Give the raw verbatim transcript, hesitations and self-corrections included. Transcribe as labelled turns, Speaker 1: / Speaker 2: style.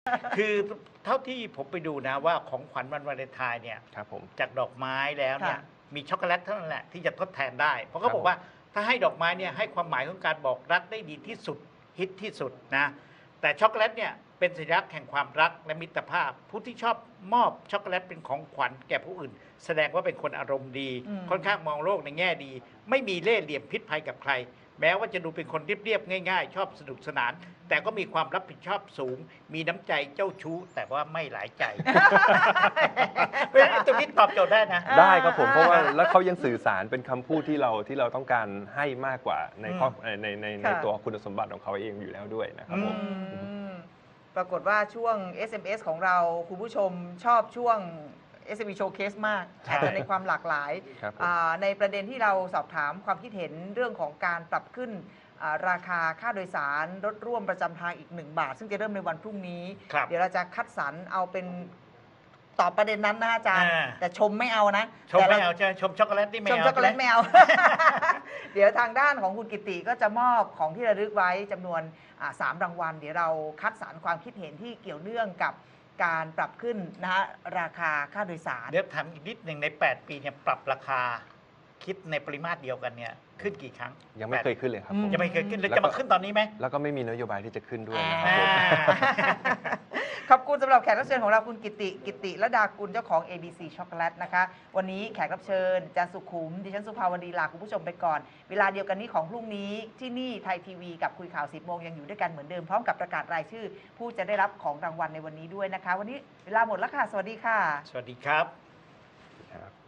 Speaker 1: คือเท่าที่ผมไปดูนะว่าของขวัญวันวาเลนไทน์เนี่ย
Speaker 2: ครับผม
Speaker 1: จากดอกไม้แล้วเนี่ย
Speaker 3: ค่ะ
Speaker 1: มีช็อกโกแลตเท่านั้นแหละที่จะทดแทนได้ เพราะเขา
Speaker 2: ครับ
Speaker 1: บอกว่าถ้าให้ดอกไม้เนี่ยให้ความหมายของการบอกรักได้ดีที่สุดฮิตที่สุดนะแต่ช็อกโกแลตเนี่ยเป็นสัญลักษณ์แห่งความรักและมิตรภาพ ผู้ที่ชอบมอบช็อกโกแลตเป็นของขวัญแก่ผู้อื่น แสดงว่าเป็นคนอารมณ์ดี
Speaker 3: อืม
Speaker 1: ค่อนข้างมองโลกในแง่ดี ไม่มีเล่ห์เหลี่ยมพิษภัยกับใคร แม้ว่าจะดูเป็นคนเรียบๆง่ายๆ ชอบสนุกสนาน แต่ก็มีความรับผิดชอบสูง มีน้ำใจเจ้าชู้ แต่ว่าไม่หลายใจ เพราะฉะนั้นตรงนี้ตอบโจทย์ได้นะ
Speaker 2: ได้ครับผมเพราะว่าแล้วเขายังสื่อสารเป็นคำพูดที่เราที่เราต้องการให้มากกว่าในข้อในในในใน
Speaker 3: ค่ะ
Speaker 2: ตัวคุณสมบัติของเขาเองอยู่แล้วด้วยนะครับผม
Speaker 3: อืมปรากฏว่าช่วง เอส เอ็ม เอส ของเราคุณผู้ชมชอบช่วง เอส เอ็ม อี Showcase มาก
Speaker 1: ใช่
Speaker 3: อาจจะในความหลากหลาย
Speaker 2: ครับผม
Speaker 3: อ่าในประเด็นที่เราสอบถามความคิดเห็นเรื่องของการปรับขึ้นอ่าราคาค่าโดยสารรถร่วมประจำทางอีกหนึ่งบาท ซึ่งจะเริ่มในวันพรุ่งนี้
Speaker 1: ครับ
Speaker 3: เดี๋ยวเราจะคัดสรรเอาเป็นตอบประเด็นนั้นนะอาจารย์
Speaker 1: อ่า
Speaker 3: แต่ชมไม่เอานะ
Speaker 1: ชม
Speaker 3: แต่
Speaker 1: ไม่
Speaker 3: เรา
Speaker 1: เอาใช่ไหมชมช็อกโกแลตนี่ไม่
Speaker 3: ช
Speaker 1: เอา
Speaker 3: มช็อกโกแลต
Speaker 1: ใช่
Speaker 3: ไม่
Speaker 1: ไหม
Speaker 3: เอา เดี๋ยวทางด้านของคุณกิติก็จะมอบของที่ระลึกไว้จำนวนอ่าสามรางวัล เดี๋ยวเราคัดสรรความคิดเห็นที่เกี่ยวเนื่องกับการปรับขึ้นนะฮะราคาค่าโดยสาร
Speaker 1: เดี๋ยวถามอีกนิดหนึ่งใน แปด ปีเนี่ยปรับราคา คิดในปริมาตรเดียวกันเนี่ยขึ้นกี่ครั้ง
Speaker 2: ยังไม่เคยขึ้นเลยครับผม
Speaker 1: ยังไม่เคยขึ้นแล้ว
Speaker 2: แล้วก็
Speaker 1: จะมาขึ้นตอนนี้ไหม
Speaker 2: แล้วก็ไม่มีนโยบายที่จะขึ้นด้วยนะครับ
Speaker 1: อ่า
Speaker 2: ผม
Speaker 3: ขอบคุณสำหรับแขกรับเชิญของเราคุณกิติกิติระดากุลเจ้าของ เอ บี ซี ช็อกโกแลตนะคะ วันนี้แขกรับเชิญอาจารย์สุขุมดิฉันสุภาวดีลาคุณผู้ชมไปก่อน เวลาเดียวกันนี้ของพรุ่งนี้ที่นี่ไทยทีวีกับคุยข่าวสิบโมงยังอยู่ด้วยกันเหมือนเดิมพร้อมกับประกาศรายชื่อ ผู้จะได้รับของรางวัลในวันนี้ด้วยนะคะ วันนี้เวลาหมดแล้วค่ะ สวัสดีค่ะ
Speaker 1: สวัสดีครับ
Speaker 2: ครับ